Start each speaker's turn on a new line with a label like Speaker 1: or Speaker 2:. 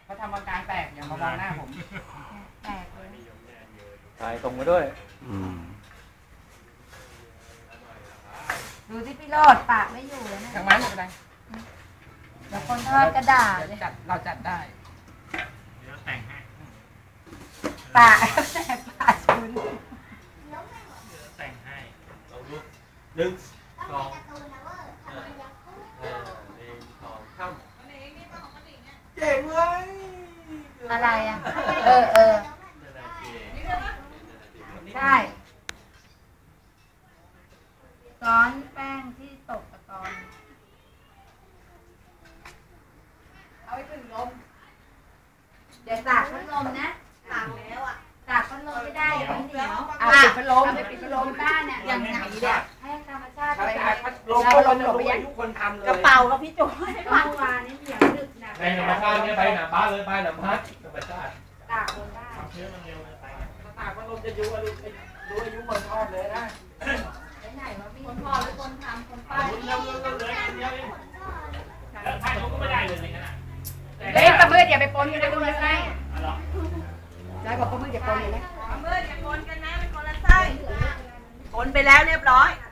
Speaker 1: เขาทำอาการแตกอย่ามามองหน้าผม
Speaker 2: แตกเลย
Speaker 3: ถ่ายตรงมาด้วย
Speaker 2: ดูที่พี่โรดปากไม่อยู่เลยนะ
Speaker 1: ทางไม้หมดเลย
Speaker 2: เดี๋ยวคนทอดกระดาษ
Speaker 1: เราจัดได้
Speaker 4: เดี๋ยวแต่งให้
Speaker 2: ปากแตกปากชุน
Speaker 4: แต่งให้เราดูหนึ่งสองข้ามเจ๋งเลย
Speaker 2: อะไรอ่ะใช่ก้อนแป้งที่ตกตะกอนเอาไปถึงลมเดี๋ยวตากพัดลมนะตากแล้วอ่ะตากพัดลมไม่ได้เดี๋ยวมันเหนียว
Speaker 1: เอาปิดพัดลม
Speaker 2: ไปปิดพัดลมบ้านเนี่ยอย่างไหนเนี่ยให้ธรรมชาติไป
Speaker 1: พัดลมพัดลมไปทุกคนทำเลย
Speaker 2: กระเป๋ากับพี่โจ้ให้เมื่อวานนี้เหนียวดึกนะ
Speaker 4: ไปธรรมชาติเนี่ยไปหนาบ้านเลยไปหนาบ้านธรรมชาติ
Speaker 2: ตากลมได้
Speaker 4: เชื้อมันเร็วไป
Speaker 1: ตากพัดลมจะรู้อายุคนทอดเลยนะ
Speaker 2: ไหนวะพี่คนพ่อหรือคนทำคนป้า
Speaker 4: ใช่เขาก็ไม่ได้เลยในขณะ
Speaker 2: เฮ้ยประมืดอย่าไปปนกันนะดูยังไงได้บอกประมืดอย่าปนเลยนะ
Speaker 5: ประมืดอย่าปนกันนะเป็นคนละไส้ปนไปแล้วเรียบร้อย